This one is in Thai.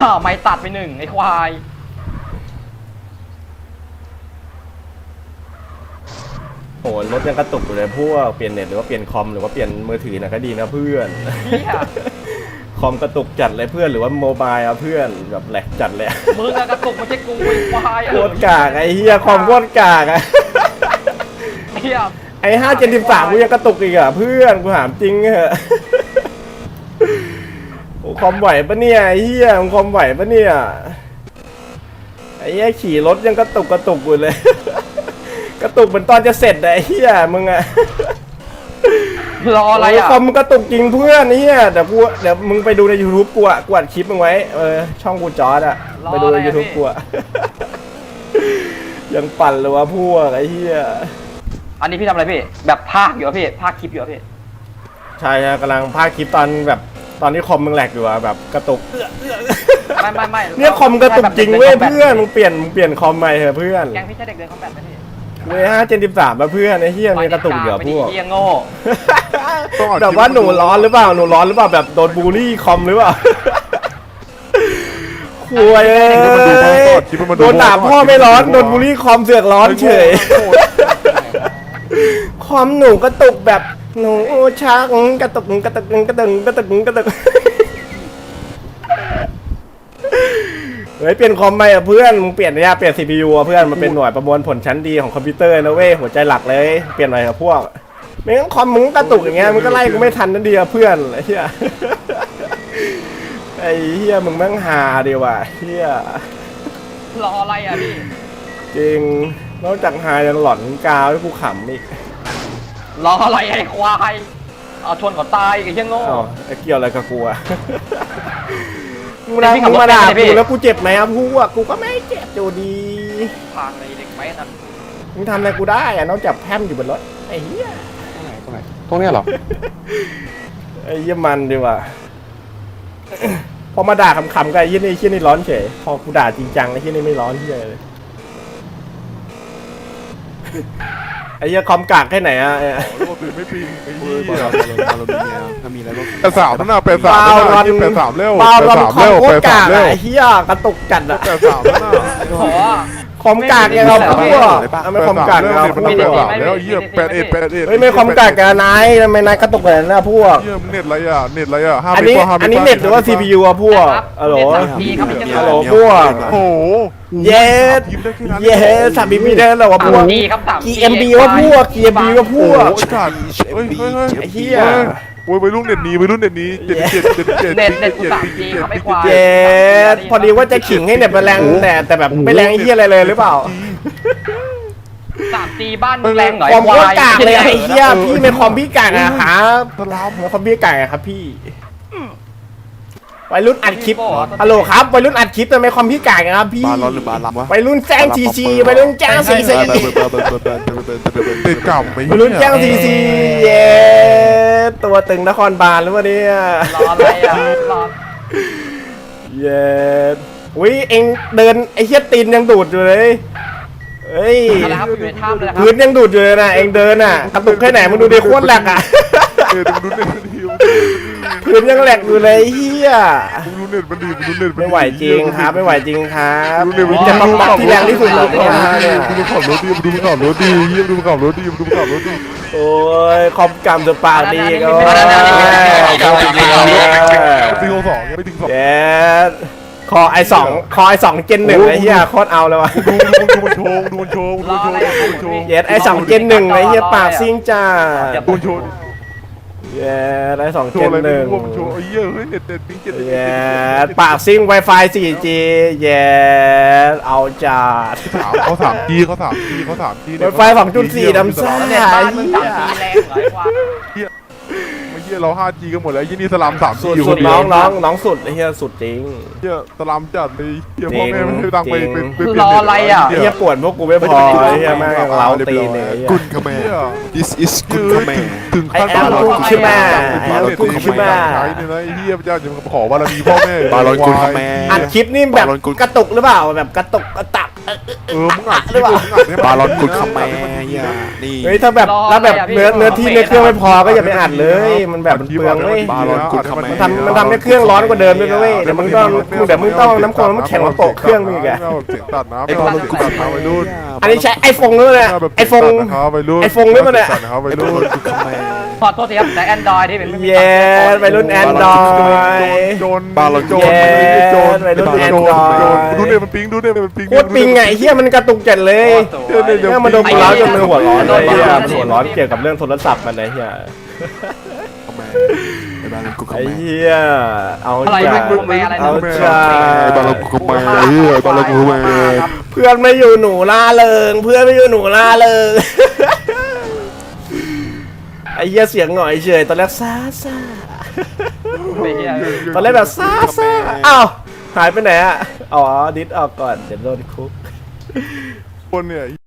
ไม่ตัดไปหนึ่งไอ้ควายโหรถยังกระตุกอยู่เลยพวกเปลี่ยนเน็ตหรือว่าเปลี่ยนคอมหรือว่าเปลี่ยนมือถือนะก็ดีนะเพื่อนคอมกระตุกจัดเลยเพื่อนหรือว่าโมบายเอาเพื่อนแบบแหลกจัดเลยมึงกระตุกไม่ใช่กูไอ้ควายโคตรกากไอ้เฮียคอมโคตรกากอะไอ้573กูยังกระตุกอีกอะเพื่อนกูถามจริงเหอะคอมไหวปะเนี่ยไอ้เฮียคอมไหวปะเนี่ยไอ้เฮียขี่รถยังกระตุกอยู่เลยกระตุกเหมือนตอนจะเสร็จไอ้เฮียมึงอะรออะไรอ่ะคอมกระตุกจริงเพื่อนนี่เดี๋ยวมึงไปดูใน YouTube กูอะกวาดคลิปมึงไว้ช่องกูจอร์ดอะไปดูใน YouTube กูอะยังปั่นเลยวะพวกไอ้เฮียอันนี้พี่ทำอะไรพี่แบบภาคอยู่พี่ภาคคลิปอยู่พี่ใช่กำลังพากคลิปตอนแบบตอนนี้คอมมึงแหลกอยู่อะแบบกระตุกไม่เนี่ยคอมกระตุกจริงเว้ยเพื่อนมึงเปลี่ยนคอมใหม่เถอะเพื่อนแกงพี่ใช่เด็กเดินคอมแบทไหมพี่เว้ย573มาเพื่อนไอ้เฮียมันกระตุกเยอะพวกเฮียโง่แบบว่าหนูร้อนหรือเปล่าแบบโดนบูลลี่คอมหรือเปล่าคุยโดนด่าพ่อไม่ร้อนโดนบูลลี่คอมเสือกร้อนเฉยคอมหนูกระตุกแบบหนูชักกระตุกเฮ้ยเปลี่ยนคอมใหม่อ่ะเพื่อนมึงเปลี่ยนเนี่ยเปลี่ยน CPU อ่ะเพื่อนมันเป็นหน่วยประมวลผลชั้นดีของคอมพิวเตอร์นะเว้ยหัวใจหลักเลยเปลี่ยนหน่อยกับพวกไม่งั้นคอมมึงกระตุกอย่างเงี้ยมึงก็ไล่กูไม่ทันนั่นดีอ่ะเพื่อนไอ้เหี้ยไอ้เหี้ยมึงแม่งหาดีว่ะเหี้ยรออะไรอ่ะพี่จริงนอกจากหายังหลอนกาวให้กูขำอีกรออะไรไอ้ควายเอาชนเขาตายไอ้เหี้ยโง่เกี่ยวอะไรกับกูอ่ะมึงมาด่ากูแล้วกูเจ็บไหมครับกูก็ไม่เจ็บอยู่ดีพังเลยเด็กไปนั่นมึงทำอะไรกูได้อะนอกจากแพมอยู่บนรถไอ้เหี้ยตรงนี้เหรอไอ้เหี้ยมันดีว่ะพอมาด่าขำๆกันไอ้เหี้ยนี่ร้อนเฉยพอกูด่าจริงจังไอ้เหี้ยนี่ไม่ร้อนเหี้ยเลยไอ้เหี้ยคอมกากแค่ไหนอะไม่ปีไอ้เหี้ยถ้ามีอะไรก็แต่สาวนั่นน่ะเป็นสาวเป็นสาวเร็วเป็นสาวเร็วเป็นสาวเร็วไอ้เหี้ยกระตุกจัดอะแต่สาวนั่นน่ะคอมกากยังเราพวกไม่คอมกากเราพวกแล้วเหี้ย8 เฮ้ยไม่คอมกากกันนายทำไมนายกระตุกแบบนั้นนะพวกเหี้ยเน็ตอะไรอ่ะอันนี้เน็ตหรือว่า CPU อะพวกฮัลโหลพวกโอ้เย้สามบีได้แล้ววะพวกGMB ว่าพวก GMB ว่าพวกไอ้เหี้ยโอ้ยไปรุ่นเน็ตนี้เน็ตกู3G เขาไม่ควายพอดีว่าจะขิงให้เน็ตมันแรงแต่แบบไม่แรงไอ้เหี้ยอะไรเลยหรือเปล่า 3G บ้านแรงหน่อยคอมก็กากเลยไอ้เหี้ยพี่ไม่คอมพี่กากอะครับคอมพี่กากอะครับพี่วัยรุ่นอัดคลิปฮัลโหลครับวัยรุ่นอัดคลิปทำไมคอมพี่กากครับพี่บาร้อนหรือบาลำวะวัยรุ่นแจ้งCCวัยรุ่นแจ้งCC ติดกับวัยรุ่นแจ้งCCเย้ตัวตึงนครบาลหรือวะเนี่ยรออะไรอ่ะรอเย้อุ้ยเอ็งเดินไอ้เหี้ยตีนยังดูดอยู่เลยเฮ้ยพื้นยังดูดอยู่เลยนะเอ็งเดินอ่ะกระตุกแค่ไหนมึงดูดิโคตรแหลกอ่ะพื้นยังแหลกอยู่เลยเฮียไม่ไหวจริงครับไม่ไหวจริงครับจะต้องตัดที่แรงที่สุดเลยเนี่ยดูขับรถดีโอ้ยคอมกำจะปากดีก็ปี62ไม่ถึง2 เย้คอไอ2เจน1ไอ้เหี้ยโคตรเอาเลยวะดูมันโชว์เย้ไอ2เจน1ไอ้เหี้ยปากซิ่งจ้าดูโชว์เย้ไอ2เจน1 โชว์เยอะเฮ้ยเน็ตปิ๊งเย้ปากซิ่ง Wi-Fi 4G เย้เอาจัดเขา 3G Wi-Fi 2.4 ดำซ่าเนี่ยบ้านมึง3G แรงหลายกว่าไม่เฮียเรา 5G กันหมดแล้วยี่นี่สลัม 3G อยู่สุดน้องสุดไอ้เหี้ยสุดจริงเฮียสลัมจัดเลยเฮียพ่อแม่ไม่ให้ตังไปรออะไรอ่ะเฮียปวดพวกกูไม่พอไอ้เฮียแม่งเล้าตีเนี่ยกุนขแม่ this is กุนขแม่ถึงขั้นกุนขแม่กุนขแม่ใช้เนี่ยนะเฮียพระเจ้าจะขอบารมีพ่อแม่บาลอนกุนขแม่อัดคลิปนี่แบบกระตุกหรือเปล่าแบบกระตุกกระตักมึงอัดคลิปมึงอัดให้บาลอนกุดคำแม่เฮียนี่เฮ้ยถ้าแบบเนื้อที่ในเครื่องไม่พอก็อย่าไปอัดเลยมันแบบมันเปลืองเว้ยบาลอนกุดคำแม่มันทำให้เครื่องร้อนกว่าเดิมด้วยนะเว้ยเดี๋ยวมึงต้องน้ำแข็งมาโปะเครื่องมึงอีกอะเสียงตัดนะไม่เอากุดคำไปรุ่นอันนี้ใช้ไอโฟนด้วยนะไอโฟนไปรุ่น iPhone ด้วยปะเนี่ยไปรุ่นกุดคำแม่ขอโทษทีครับแต่ Android ที่เป็นไม่มีเย้ไปรุ่นแอนดรอยโจนบาลอนโจนโจนไปรุ่น Android ดูเนี่ยมันปิงดูเนี่ยมันปิงโคตรปิงไงเฮียมันกระตุกจัดเลยเนี่ยมันโดนกูร้าวจนมือหัวร้อนเลยเฮียมันหัวร้อนเกี่ยวกับเรื่องโทรศัพท์มันเลยเฮียคำแม่ไอ้บาลอนกุดไอ้คำแม่เฮียเอาอะไรจ้ะไม่อะไรเอานะจ้ะไอ้บาลอนกุดคำแม่ไอ้บาลอนกุดคำแม่เพื่อนไม่อยู่หนูล่าเริงเพื่อนไม่อยู่หนูล่าเริงไอ้เฮียเสียงหน่อยเฉยตอนแรกซ่าไม่เหี้ยตอนแรกแบบซ่าอ้าวหายไปไหนอ่ะอ๋อดิสออกก่อนเดี๋ยวโดนคุกคนเนี่ย